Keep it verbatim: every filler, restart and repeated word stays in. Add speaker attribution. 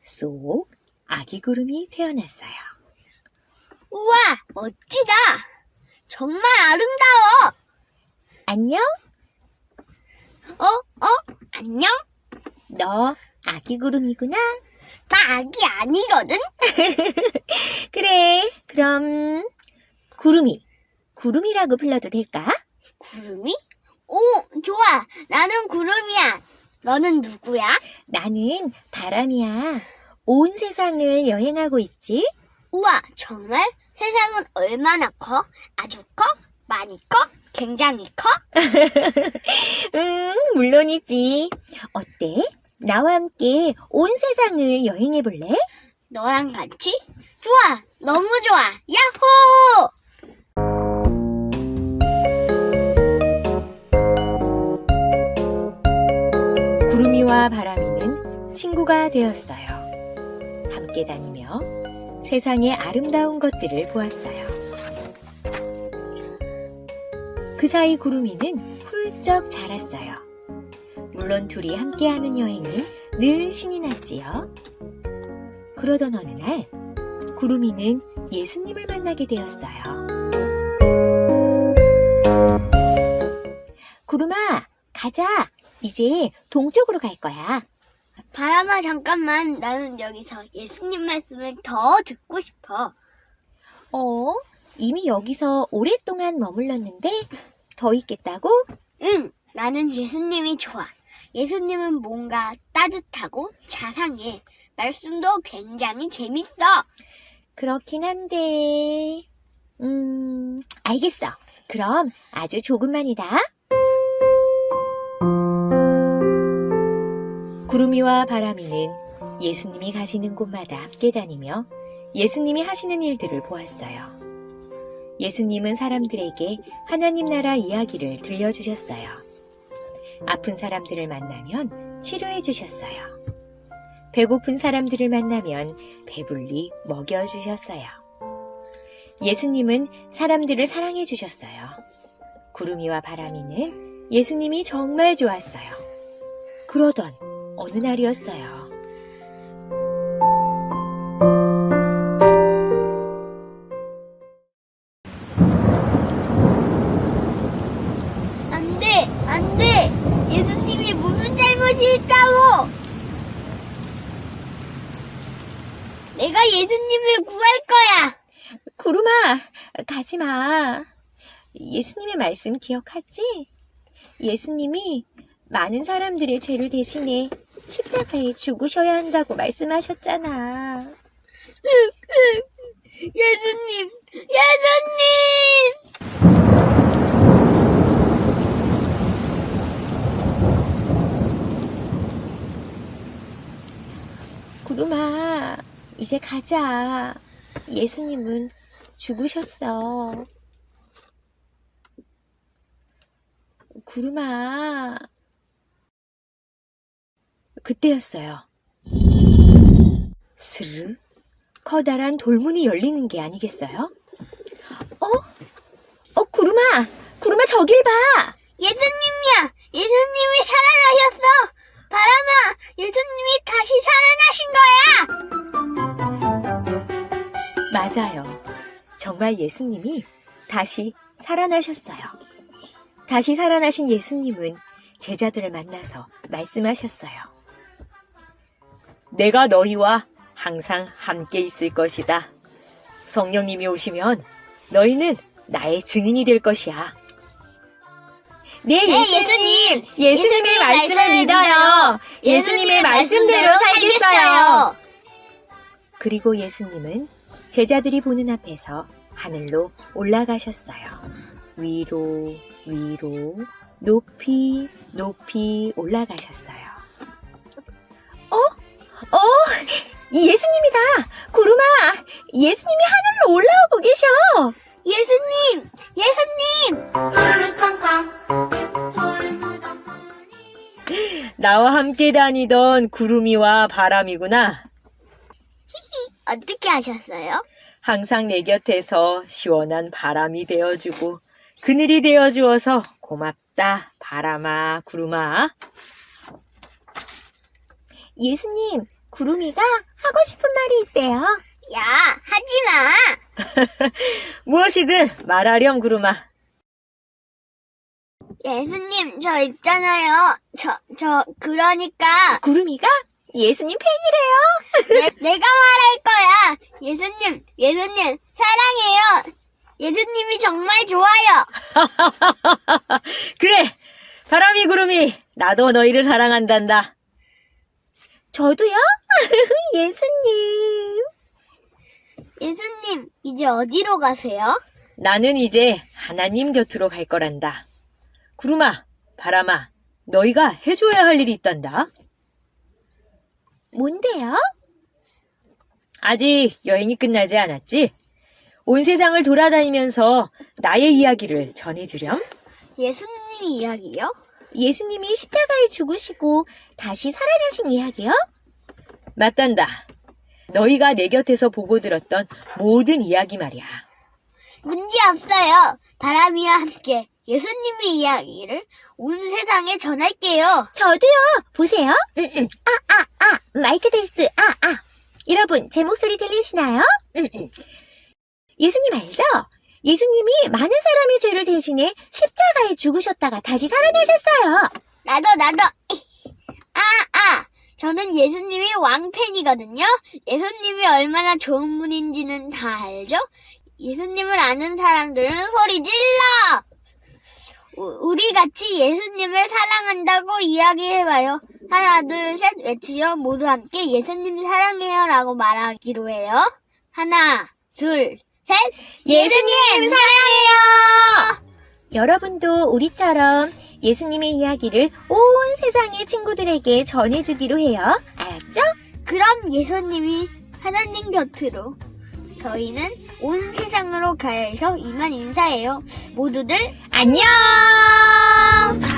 Speaker 1: 쏙 아기 구름이 태어났어요.
Speaker 2: 우와, 멋지다. 정말 아름다워.
Speaker 1: 안녕?
Speaker 2: 어, 어, 안녕?
Speaker 1: 너 아기 구름이구나.
Speaker 2: 나 아기 아니거든?
Speaker 1: 그래, 그럼 구름이, 구름이라고 불러도 될까?
Speaker 2: 구름이? 오, 좋아. 나는 구름이야. 너는 누구야?
Speaker 1: 나는 바람이야. 온 세상을 여행하고 있지?
Speaker 2: 우와, 정말? 세상은 얼마나 커? 아주 커? 많이 커? 굉장히 커?
Speaker 1: 응, 물론이지. 어때? 나와 함께 온 세상을 여행해 볼래?
Speaker 2: 너랑 같이? 좋아, 너무 좋아. 야호!
Speaker 1: 구름이와 바람이는 친구가 되었어요. 함께 다니며 세상의 아름다운 것들을 보았어요. 그 사이 구름이는 훌쩍 자랐어요. 물론 둘이 함께하는 여행은 늘 신이 났지요. 그러던 어느 날 구름이는 예수님을 만나게 되었어요. 구름아, 가자. 이제 동쪽으로 갈 거야.
Speaker 2: 바람아, 잠깐만. 나는 여기서 예수님 말씀을 더 듣고 싶어.
Speaker 1: 어? 이미 여기서 오랫동안 머물렀는데 더 있겠다고?
Speaker 2: 응, 나는 예수님이 좋아. 예수님은 뭔가 따뜻하고 자상해. 말씀도 굉장히 재밌어.
Speaker 1: 그렇긴 한데... 음... 알겠어. 그럼 아주 조금만이다. 구름이와 바람이는 예수님이 가시는 곳마다 함께 다니며 예수님이 하시는 일들을 보았어요. 예수님은 사람들에게 하나님 나라 이야기를 들려주셨어요. 아픈 사람들을 만나면 치료해 주셨어요. 배고픈 사람들을 만나면 배불리 먹여주셨어요. 예수님은 사람들을 사랑해 주셨어요. 구름이와 바람이는 예수님이 정말 좋았어요. 그러던 어느 날이었어요.
Speaker 2: 안 돼, 안 돼. 예수님이 무슨 잘못이 있다고. 내가 예수님을 구할 거야.
Speaker 1: 구름아, 가지 마. 예수님의 말씀 기억하지? 예수님이 많은 사람들의 죄를 대신해 십자가에 죽으셔야 한다고 말씀하셨잖아.
Speaker 2: 예수님, 예수님!
Speaker 1: 구름아, 이제 가자. 예수님은 죽으셨어. 구름아. 그때였어요. 스르 커다란 돌문이 열리는 게 아니겠어요? 어? 어, 구름아! 구름아, 저길 봐!
Speaker 2: 예수님이야! 예수님이 살아나셨어! 바람아! 예수님이 다시 살아나신 거야!
Speaker 1: 맞아요. 정말 예수님이 다시 살아나셨어요. 다시 살아나신 예수님은 제자들을 만나서 말씀하셨어요. 내가 너희와 항상 함께 있을 것이다. 성령님이 오시면 너희는 나의 증인이 될 것이야. 네, 예수님!
Speaker 2: 예수님!
Speaker 1: 예수님의
Speaker 2: 예수님의
Speaker 1: 말씀을
Speaker 2: 말씀을
Speaker 1: 믿어요. 예수님의 말씀대로 살겠어요. 그리고 예수님은 제자들이 보는 앞에서 하늘로 올라가셨어요. 위로, 위로, 높이, 높이 올라가셨어요. 어? 어? 이 예수님이다! 구름아! 예수님이 하늘로 올라오고 계셔!
Speaker 2: 예수님! 예수님!
Speaker 1: 나와 함께 다니던 구름이와 바람이구나.
Speaker 2: 어떻게 하셨어요?
Speaker 1: 항상 내 곁에서 시원한 바람이 되어주고 그늘이 되어주어서 고맙다, 바람아, 구름아. 예수님, 구름이가 하고 싶은 말이 있대요.
Speaker 2: 야, 하지 마.
Speaker 1: 무엇이든 말하렴, 구름아.
Speaker 2: 예수님, 저 있잖아요. 저, 저, 그러니까.
Speaker 1: 구름이가 예수님 팬이래요.
Speaker 2: 내, 내가 말할 거야. 예수님, 예수님, 사랑해요. 예수님이 정말 좋아요.
Speaker 1: 그래, 바람이 구름이 나도 너희를 사랑한단다. 저도요? 예수님.
Speaker 2: 예수님, 이제 어디로 가세요?
Speaker 1: 나는 이제 하나님 곁으로 갈 거란다. 구름아, 바람아, 너희가 해줘야 할 일이 있단다. 뭔데요? 아직 여행이 끝나지 않았지? 온 세상을 돌아다니면서 나의 이야기를 전해주렴.
Speaker 2: 예수님 이야기요?
Speaker 1: 예수님이 십자가에 죽으시고 다시 살아나신 이야기요? 맞단다. 너희가 내 곁에서 보고 들었던 모든 이야기 말이야.
Speaker 2: 문제 없어요. 바람이와 함께 예수님의 이야기를 온 세상에 전할게요.
Speaker 1: 저도요. 보세요. 음, 음. 아, 아, 아. 마이크 테스트. 아, 아. 여러분, 제 목소리 들리시나요? 음, 음. 예수님 알죠? 예수님이 많은 사람의 죄를 대신해 십자가에 죽으셨다가 다시 살아나셨어요.
Speaker 2: 나도, 나도. 아, 아. 저는 예수님이 왕팬이거든요. 예수님이 얼마나 좋은 분인지는 다 알죠? 예수님을 아는 사람들은 소리 질러! 우- 우리 같이 예수님을 사랑한다고 이야기해봐요. 하나, 둘, 셋 외치죠. 모두 함께 예수님 사랑해요 라고 말하기로 해요. 하나, 둘, 셋.
Speaker 1: 예수님 사랑해요! 여러분도 우리처럼 예수님의 이야기를 온 세상의 친구들에게 전해주기로 해요. 알았죠?
Speaker 2: 그럼 예수님이 하나님 곁으로 저희는 온 세상으로 가야 해서 이만 인사해요. 모두들
Speaker 1: 안녕!